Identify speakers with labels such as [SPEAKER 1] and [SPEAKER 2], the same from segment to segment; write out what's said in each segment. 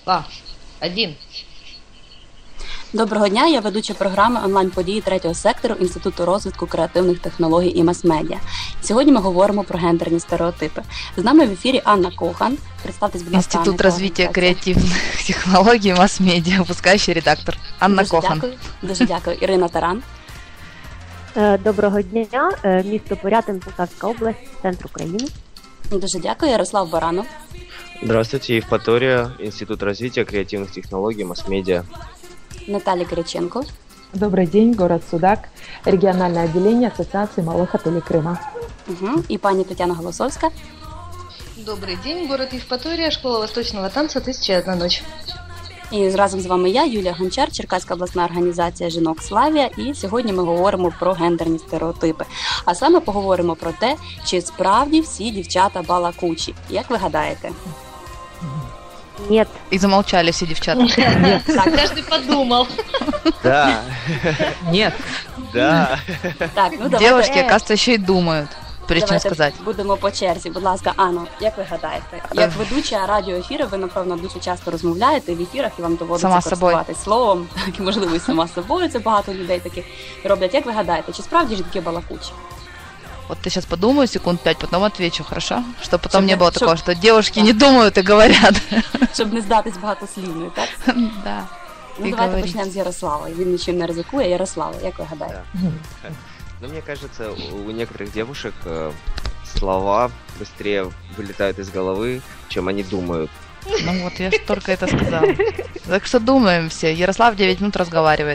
[SPEAKER 1] Два, один.
[SPEAKER 2] Доброго дня, я ведуча програми онлайн-події третього сектору Інституту розвитку креативних технологій і мас-медіа. Сьогодні ми говоримо про гендерні стереотипи. З нами в ефірі Анна Кохан. Представтесь, будь ласка.
[SPEAKER 1] Інститут розвитку креативних технологій і мас-медіа, випускаючий редактор Анна Кохан.
[SPEAKER 2] Дуже дякую. Ірина Таран.
[SPEAKER 3] Доброго дня, місто Порятин, Полтавська область, центр України.
[SPEAKER 2] Дуже дякую. Ярослав Баранов.
[SPEAKER 4] Здравствуйте, Евпатория, Институт развития креативных технологий, масс-медиа.
[SPEAKER 2] Наталья Кириченко.
[SPEAKER 5] Добрый день, город Судак, региональное отделение Ассоциации малых отелей Крыма.
[SPEAKER 2] І пані Тетяна Голосовська.
[SPEAKER 6] Добрый день, город Евпатория, школа восточного танца «1001 ночь».
[SPEAKER 2] І разом з вами я, Юлія Гончар, Черкаська обласна організація «Жінок Славія». І сьогодні ми говоримо про гендерні стереотипи. А саме поговоримо про те, чи справді всі дівчата балакучі. Як ви гадаєте?
[SPEAKER 3] Нет.
[SPEAKER 1] И замолчали все девчата.
[SPEAKER 6] Нет. Так, каждый подумал.
[SPEAKER 4] Да.
[SPEAKER 5] Нет.
[SPEAKER 4] Да.
[SPEAKER 2] Так, ну давайте.
[SPEAKER 1] Девушки, оказывается, еще и думают, прежде чем сказать.
[SPEAKER 2] Будемо по черзі. Будь ласка, Анно, як ви гадаєте? Як ведуча радіоефіру, ви, напевно, дуже часто розмовляєте в ефірах і вам доводиться користуватись словом. Так, і, можливо, і сама собою, це багато людей таких роблять. Як ви гадаєте, чи справді жінки балакучі?
[SPEAKER 1] Вот ты сейчас подумаю секунд 5, потом отвечу, хорошо? Чтобы потом не было такого, что девушки не думают и говорят.
[SPEAKER 2] Щоб не здатись багатослівною, так?
[SPEAKER 1] Да.
[SPEAKER 2] Ну, давайте почнемо з Ярослава. Він нічим не ризикує. Ярослава, як ви гадаєте?
[SPEAKER 4] Ну, мне кажется, у некоторых девушек слова быстрее вылетают из головы, чем они думают.
[SPEAKER 1] Ну вот, я ж только это сказала. Так что думаем все. Ярослав 9 минут разговаривает.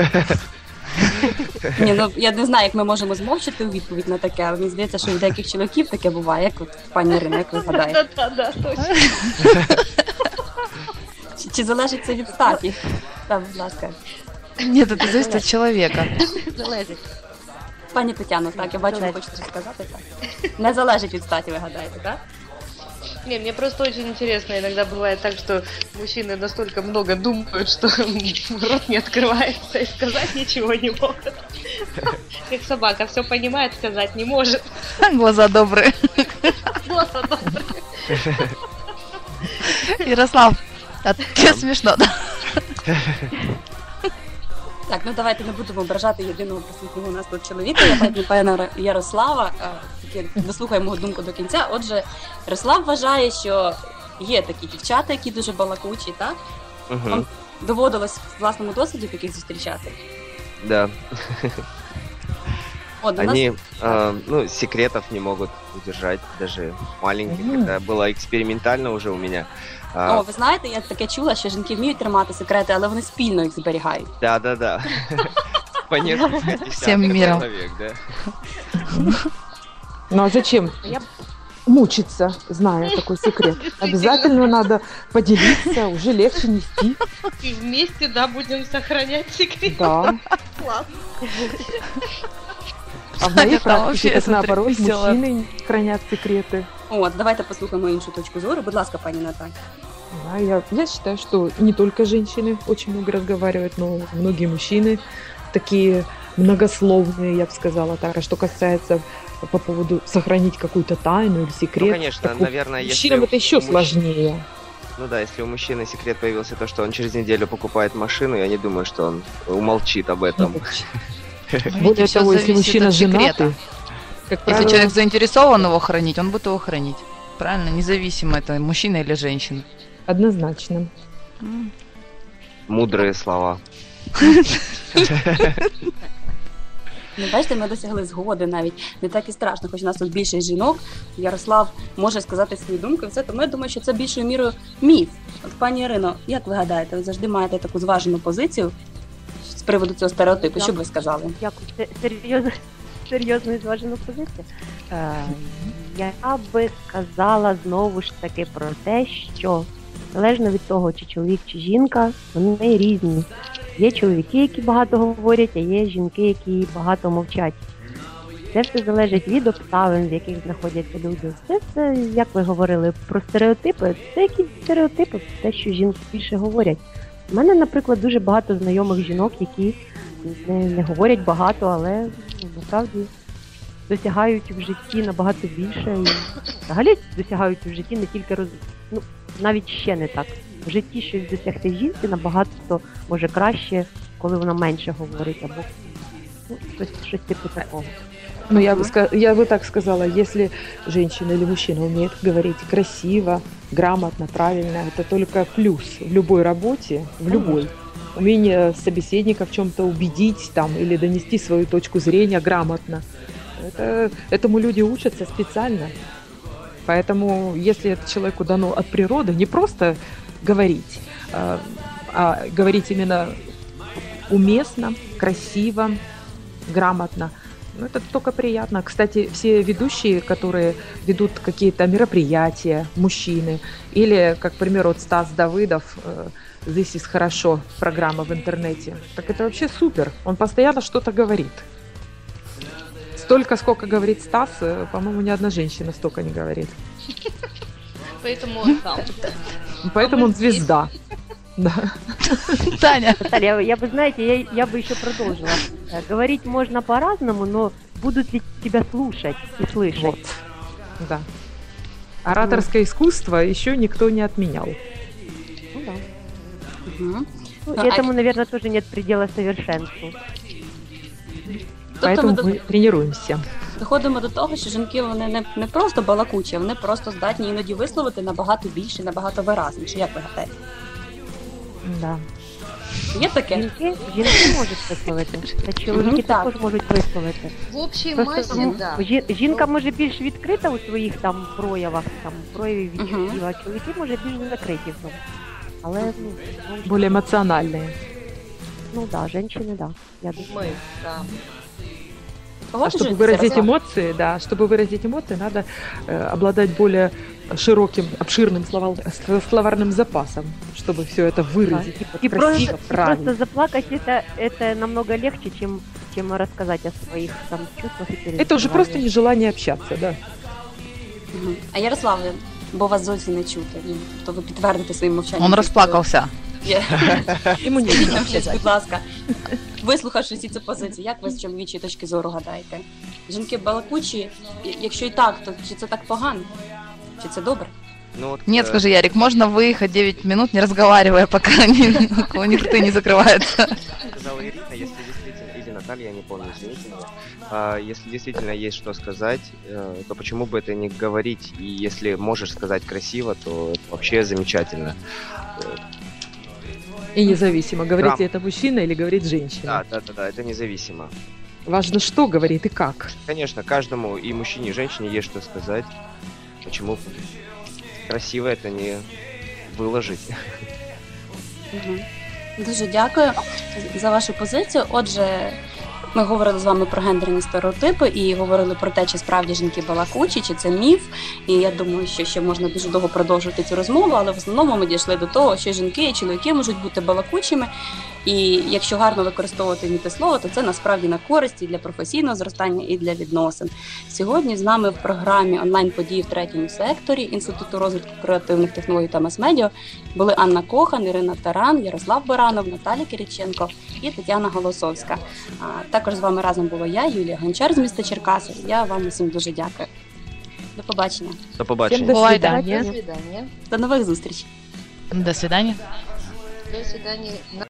[SPEAKER 2] Ні, ну я не знаю, як ми можемо змовчати у відповідь на таке, але мені здається, що у деяких чоловіків таке буває, як от пані Ірина, як ви гадаєте?
[SPEAKER 6] Да, точно.
[SPEAKER 2] Чи залежить це від статі? Так, будь ласка.
[SPEAKER 1] Нет, это зависит от человека.
[SPEAKER 6] Залезет.
[SPEAKER 2] Пані Тетяно, так, я бачу, ви хочете щось сказати, так? Не залежить від статі, ви гадаєте, так?
[SPEAKER 6] Не, мне просто очень интересно, иногда бывает так, что мужчины настолько много думают, что рот не открывается и сказать ничего не могут. Как собака, все понимает, сказать не может.
[SPEAKER 1] Глаза добрые.
[SPEAKER 6] Глаза добрые.
[SPEAKER 1] Ярослав, а тебе смешно, да?
[SPEAKER 2] Так, ну давайте не будемо ображати єдиного присутнього у нас тут чоловіка, я так пана Ярослава, дослухаємо його думку до кінця. Отже, Ярослав вважає, що є такі дівчата, які дуже балакучі, так? Вам доводилось в власному досвіді таких зустрічати?
[SPEAKER 4] Да.
[SPEAKER 2] От,
[SPEAKER 4] Они, секретов не могут удержать, даже маленьких. Это было экспериментально уже у меня.
[SPEAKER 2] О, ви знаєте, я таке чула, що жінки вміють тримати секрети, але вони спільно їх зберігають.
[SPEAKER 4] Да. По несколько
[SPEAKER 1] Всем миром.
[SPEAKER 4] человек, да.
[SPEAKER 5] Ну а зачем мучиться, зная такой секрет? Обязательно надо поделиться, уже легче нести.
[SPEAKER 6] И вместе, да, будем сохранять секрет.
[SPEAKER 5] Да.
[SPEAKER 6] Класс.
[SPEAKER 5] А в моей практике,
[SPEAKER 1] вообще,
[SPEAKER 5] так наоборот,
[SPEAKER 1] весело.
[SPEAKER 5] мужчины хранят секреты.
[SPEAKER 2] От, давайте послухаємо іншу точку зору. Будь ласка, пані Наталь.
[SPEAKER 5] Да, я считаю, что не только женщины очень много разговаривают, но многие мужчины такие многословные, я бы сказала так. А что касается по поводу сохранить какую-то тайну или секрет,
[SPEAKER 4] Ну, конечно,
[SPEAKER 5] так
[SPEAKER 4] наверное, если
[SPEAKER 5] мужчинам это еще
[SPEAKER 4] у мужчин-
[SPEAKER 5] сложнее.
[SPEAKER 4] Ну да, если у мужчины секрет появился то, что он через неделю покупает машину, я не думаю, что он умолчит об этом.
[SPEAKER 5] Более
[SPEAKER 1] всё
[SPEAKER 5] того, если
[SPEAKER 1] зависит
[SPEAKER 5] мужчина
[SPEAKER 1] от секрета.
[SPEAKER 5] женатый, как
[SPEAKER 1] Если
[SPEAKER 5] правило,
[SPEAKER 1] человек заинтересован его хранить, он будет его хранить. Правильно? Независимо, это мужчина или женщина.
[SPEAKER 5] однозначно.
[SPEAKER 4] Мудрые слова.
[SPEAKER 2] Ну, бачите, ми досягли згоди навіть. Не так і страшно, хоч у нас тут більше жінок. Ярослав може сказати свою думку, і все, тому я думаю, що це більшою мірою міф. От, пані Ірино, як ви гадаєте, ви завжди маєте таку зважену позицію з приводу цього стереотипу? Що б ви сказали?
[SPEAKER 3] Дякую. Серйозно і зважену позицію. Я би сказала знову ж таки про те, що залежно від того, чи чоловік, чи жінка, вони різні. Є чоловіки, які багато говорять, а є жінки, які багато мовчать. Це все залежить від обставин, в яких знаходяться люди. Це, як ви говорили, про стереотипи. Це якісь стереотипи, те, що жінки більше говорять. У мене, наприклад, дуже багато знайомих жінок, які не говорять багато, але насправді досягають в житті набагато більше. І взагалі досягають в житті не тільки навіть ще не так в житті щось досягти в жінці набагато може краще, коли вона менше говорить, або ну, щось типу такого.
[SPEAKER 5] Ну, я бы так сказала, если женщина или мужчина умеет говорить красиво, грамотно, правильно, это только плюс в любой работе, в любой. Умение собеседника в чем-то убедить там, или донести свою точку зрения грамотно. Этому люди учатся специально. Поэтому, если это человеку дано от природы, не просто говорить, а говорить именно уместно, красиво, грамотно, ну, это только приятно. Кстати, все ведущие, которые ведут какие-то мероприятия, мужчины, или, как, к примеру, вот Стас Давыдов, «This is хорошо», программа в интернете, так это вообще супер. Он постоянно что-то говорит. Столько, сколько говорит Стас, по-моему, ни одна женщина столько не говорит.
[SPEAKER 6] Поэтому он там.
[SPEAKER 5] Поэтому он звезда. Да.
[SPEAKER 1] Таня.
[SPEAKER 3] Наталья, я бы, знаете, я бы еще продолжила. Говорить можно по-разному, но будут ли тебя слушать и слышать?
[SPEAKER 5] Вот. Да. Ораторское искусство еще никто не отменял.
[SPEAKER 3] Ну да.
[SPEAKER 2] Угу.
[SPEAKER 3] Ну, этому, наверное, тоже нет предела совершенству.
[SPEAKER 5] Поэтому ми тренуємося.
[SPEAKER 2] Доходимо до того, що жінки вони не просто балакучі, вони просто здатні іноді висловити набагато більше, набагато виразніше. Як ви гадаєте?
[SPEAKER 3] Да.
[SPEAKER 2] Є таке?
[SPEAKER 3] Жінки можуть висловити, та чоловіки також можуть висловити.
[SPEAKER 6] В общій масі, да.
[SPEAKER 3] Жінка може більш відкрита у своїх там проявах, там проявів відчуттів, а чоловіки може більш закриті в тому. Але,
[SPEAKER 5] более эмоциональные.
[SPEAKER 3] Ну да, женщины, да. Я думаю.
[SPEAKER 6] Ми, да.
[SPEAKER 5] А чтобы выразить эмоции, да, чтобы выразить эмоции, надо обладать более широким, обширным словарным запасом, чтобы все это выразить.
[SPEAKER 3] Да.
[SPEAKER 5] И красиво, правильно.
[SPEAKER 3] Просто заплакать это намного легче, чем рассказать о своих там чувствах и переживаниях.
[SPEAKER 5] Это уже просто нежелание общаться, да.
[SPEAKER 2] А Ярослав, бо вас зовсім не чути, то ви підтвердите своїм мовчанням.
[SPEAKER 1] Он расплакался.
[SPEAKER 5] Йому не
[SPEAKER 2] Скажіть нам щось, будь ласка, вислухавши всі ці позиції, як ви з чоловічої точки зору гадаєте? Жінки балакучі, якщо і так, то чи це так погано? Чи це добре?
[SPEAKER 4] Ну, вот,
[SPEAKER 1] Нет, скажи, Ярик, можно выехать 9 минут, не разговаривая, пока у них рты не закрываются?
[SPEAKER 4] сказала Ирина, если действительно, или Наталья, я не помню, извините меня, если действительно есть что сказать, то почему бы это не говорить? И если можешь сказать красиво, то это вообще замечательно.
[SPEAKER 5] И независимо, говорит это мужчина или говорит женщина.
[SPEAKER 4] Да, это независимо.
[SPEAKER 5] Важно, что говорит и как.
[SPEAKER 4] Конечно, каждому, и мужчине, и женщине есть что сказать. Почему красиво это не выложить?
[SPEAKER 2] Дуже дякую за вашу позицію. Отже, ми говорили з вами про гендерні стереотипи і говорили про те, чи справді жінки балакучі, чи це міф. І я думаю, що ще можна дуже довго продовжувати цю розмову, але в основному ми дійшли до того, що жінки і чоловіки можуть бути балакучими. І якщо гарно використовувати мітислово, то це насправді на користь і для професійного зростання, і для відносин. Сьогодні з нами в програмі онлайн-події в третьому секторі Інституту розвитку креативних технологій та мас-медіа були Анна Кохан, Ірина Таран, Ярослав Баранов, Наталя Кириченко і Тетяна Голосовська. Також з вами разом була я, Юлія Гончар з міста Черкаси. Я вам усім дуже дякую. До побачення.
[SPEAKER 4] До побачення.
[SPEAKER 5] Всем до
[SPEAKER 1] Бувайте.
[SPEAKER 5] свидания.
[SPEAKER 6] До свидания.
[SPEAKER 2] До нових зустрічей.
[SPEAKER 1] До свидания.
[SPEAKER 6] До свидания.